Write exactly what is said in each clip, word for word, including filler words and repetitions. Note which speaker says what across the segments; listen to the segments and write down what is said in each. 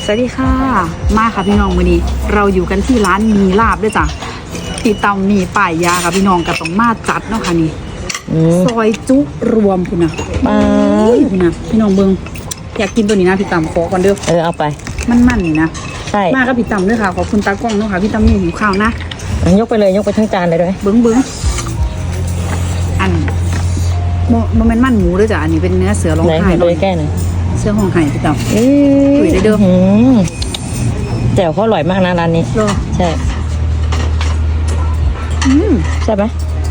Speaker 1: สวัสดีค่ะมาค่ะพี่น้องวันนี้เราอยู่กันที่ร้านมีลาบด้วยจ้ะติดตามมีป่ายยาค่ะพี่น้องกับต้องมาจัดเนาะค่ะนี่ซอยจุรวมคุณนะมาคุณนะพี่น้องเบิ้งอยากกินตัวนี้นะพี่ตำขอก่อนเด้อ
Speaker 2: เออเอาไป
Speaker 1: มันมันนี่นะ
Speaker 2: ใช่
Speaker 1: มากับพี่ตำด้วยค่ะขอบคุณตากล้องเนาะค่ะพี่ตำนี่หิวข้าวนะ
Speaker 2: ยกไปเลยยกไปทั้งจานเลยด้วย
Speaker 1: เบิ้งเบิ้งอันโมโมเมนต์มันหมูด้วยจ้ะอันนี้เป็นเนื้อเสือร้องไห้
Speaker 2: เลยแก้หน่อย
Speaker 1: เสือร้องไห้พี่ตำถุยได้เด้อ
Speaker 2: แจ่วเขาอร่อยมากนะร้านนี้ใช่ใช่ไหม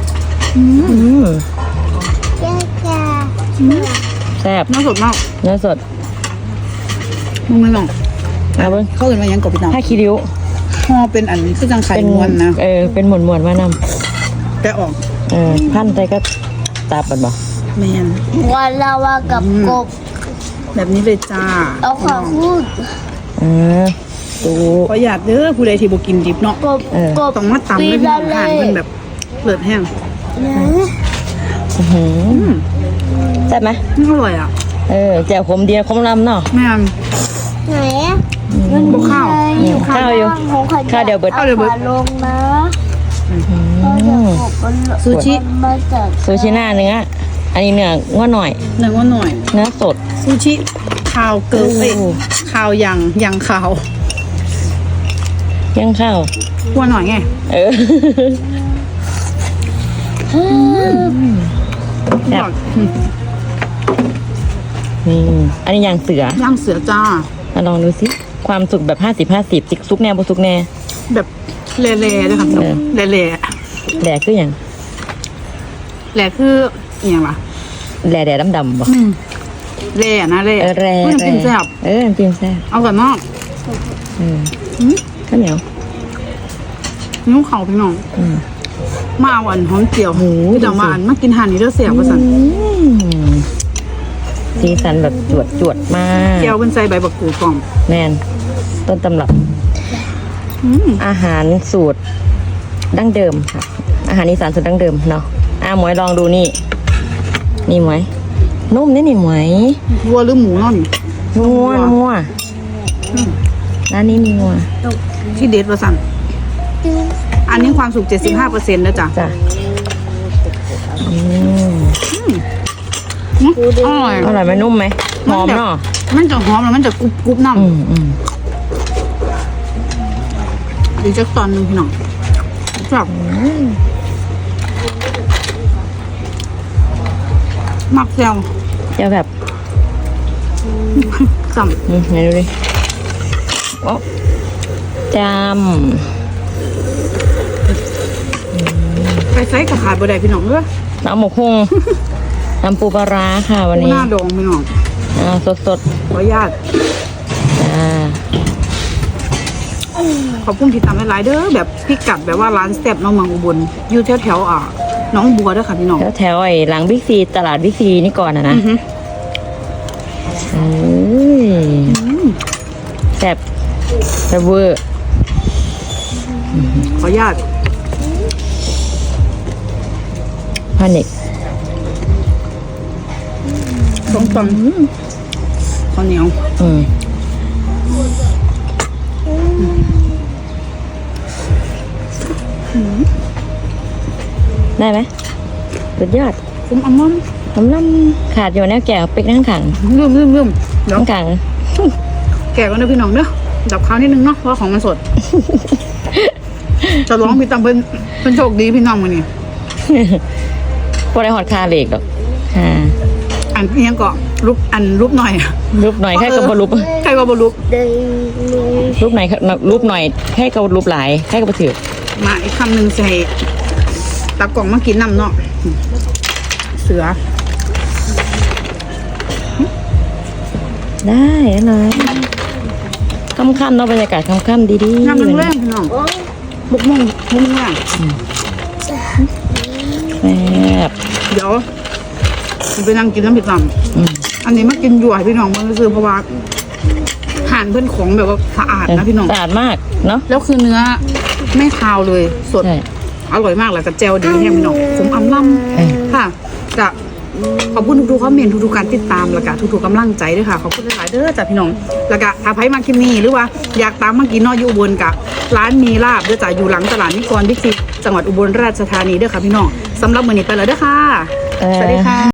Speaker 2: แซ่บ
Speaker 1: เนื้อสดมาก
Speaker 2: เนื้อสด
Speaker 1: มึงไม่ลอง
Speaker 2: เอาไป
Speaker 1: เข้ากันมายังกับพี่ตำ
Speaker 2: ถ้าคิริ้ว
Speaker 1: ห่อเป็นอันคือจังไข่ม้วนนะ
Speaker 2: เออเป็นหมวนหมวนมานำ
Speaker 1: แต่ออก
Speaker 2: เออพันใจก็ตาปัดบ่
Speaker 1: แมน
Speaker 3: วันละว่ากับกบ
Speaker 1: แบบนี้เลยจ้า
Speaker 3: เอาขอพูด
Speaker 2: อ่าดู
Speaker 1: ขออยากเด้อผู้ใดที่บ่กินดิบเนาะ
Speaker 3: กบ
Speaker 1: ต้องมาตำด้วยพี่น้องทานมันแบบเปิดแห้ง
Speaker 2: ใช่ไหม
Speaker 1: อร่อยอ่ะ
Speaker 2: เออแจ่วขมเดียวขมลำเนาะ
Speaker 1: แม่
Speaker 3: ไหน
Speaker 1: บข้าว
Speaker 2: ข้าวอยู่ข้าวเดียวเบิด
Speaker 3: ข้าวเดียวเบิดลงนะ
Speaker 1: ซูชิ
Speaker 2: ซูชิหน้าเนื้ออันนี้เนื้อง้อหน่อย
Speaker 1: เนื้อง้อหน่อย
Speaker 2: เนื้อสด
Speaker 1: ซูชิข้าวเกลือข้าวยังยังข้าว
Speaker 2: ยังข้าว
Speaker 1: หัวหน่อยไง
Speaker 2: เออแบบนี่อันนี้ยางเสื
Speaker 1: อย่างเสือจ้า
Speaker 2: มาลองดูสิความสุกแบบห้าสิบห้าสิบจิกซุกแน่บ่ซุกแน่
Speaker 1: แบบเล่ๆเลยค่ะเล่ๆแ
Speaker 2: หล่คืออย่าง
Speaker 1: แหล่คืออย่างไร
Speaker 2: แหล่แดดดำๆบ่
Speaker 1: แหล่นะแหล่
Speaker 2: เออแหล่
Speaker 1: เพื่อนกินแซ่บ
Speaker 2: เออกินแซ่บ
Speaker 1: เอาแบบนอก
Speaker 2: เออข้าวเหนียว
Speaker 1: นิ้วเข่าพี่น้องมาเอาอันหอมเจียวหูจังหวานมากินห่านนี่เด้อเสียบประสัน
Speaker 2: สีสันแบบจวดจวดมาก
Speaker 1: แก้วเป็นใส่ใบบักกูดกล่อง
Speaker 2: แน่นต้นตำรับอาหารสูตรดั้งเดิมค่ะอาหารอีสานสูตรดั้งเดิมเนาะอ่ะหมวยลองดูนี่นี่หมวยนุ่มนี่นี่หมวย
Speaker 1: วัวหรือหมูนั่น
Speaker 2: นัวนัวร้านนี้มีนัว
Speaker 1: ที่เด็ดประสันอันนี้ความสุข เจ็ดสิบห้าเปอร์เซ็นต์ นะจ๊ะ
Speaker 2: จ้ะอืม
Speaker 1: อร่อย
Speaker 2: อร่อยไหมนุ่มไหมหอมเนาะ
Speaker 1: มันจะหอมแล้วมันจะกรุบกรุบน้ำดีจักตอนนึงพี่น้องแบบมักแซว
Speaker 2: จะแบบ
Speaker 1: จำ
Speaker 2: นี่ไหนดูดิโอ้จำ
Speaker 1: ไปไซส์กับขาดบ่ได้พี่น้องเด้อ
Speaker 2: น้ำหมกฮงน้ำปูปลาค่ะวันนี้
Speaker 1: หน้าดองพี่น้อง
Speaker 2: อ่าสดสด
Speaker 1: ขออนุญาต
Speaker 2: อ่า
Speaker 1: ขอบคุณที่ทำให้หลายเด้อแบบพิกัดแบบว่าร้านแซ่บน้องเมืองอุบลอยู่แถวแถวอ่ะน้องบัวด้วยค่ะพี่น้อง
Speaker 2: แถวแถวไอ้หลังบิ๊กซีตลาดบิ๊กซีนี่ก่อนนะนะแซ่บแซ่บเวอร์
Speaker 1: ขออนุญาต
Speaker 2: พานิก
Speaker 1: สองตังข้าวเหนียว
Speaker 2: อืมได้ไหมสุดยอด
Speaker 1: คุ้มอัลมอนด์
Speaker 2: น้ำล่ำขาดอยู่แนวแก่เป็กนั่งขัง
Speaker 1: ลืมลืมลืม
Speaker 2: นั่งขัง
Speaker 1: แก่กันนะพี่น้องเนอะดับข้าวนิดนึงเนาะเพราะของมันสดจะร้องพี่ตำเป็นเป็นโชคดีพี่น้องวันนี้
Speaker 2: พอได้หอดคาเหล็กหรอกค่ะ
Speaker 1: อันเพียงก็รูปอันรูปหน่อย
Speaker 2: รูปหน่อยแค่กับบรูป
Speaker 1: ใครกับบรูป
Speaker 2: รูปไหนรูปหน่อยแค่กับรูปหลายแค่กับถือ
Speaker 1: มาอีกคำหนึ่งใส่ตะกล่องมากินน้ำเนาะเสือ
Speaker 2: ได้อะไรค่ำๆเนาะบรรยากาศค่ำๆดีๆ
Speaker 1: น้ำแรงๆพี่น้องบุกมุ่งมุ่งแรง
Speaker 2: แซ่บ
Speaker 1: เดี๋ยวไปนั่งกินน้ำพริกตำอันนี้มากินอยู่ให้พี่น้องมันก็คือเพราะว่าหั่นเพื่อนของแบบว่าสะอาดนะพี่น้อง
Speaker 2: สะอาดมากเนาะ
Speaker 1: แล้วคือเนื้อไม่คาวเลยสดอร่อยมากเลยกับเจลดีแห้งพี่น้องผมอำล่ำค่ะจะขอบคุณทุกๆคอมเมนต์ทุกๆการติดตามแล้วก็ทุกๆกำลังใจด้วยค่ะขอบคุณหลายๆเด้อจ้ะพี่น้องแล้วก็ถ้าใครมาคลิปนี้หรือว่าอยากตามมากินเนออยู่อุบลกับร้านมีลาบเด้อจ้ะอยู่หลังตลาดนิกรบิ๊กซีจังหวัดอุบลราชธานีเด้อค่ะพี่น้องสำหรับมื้อนี้ไปแล้วเด้อค่ะสวัสดีค่ะ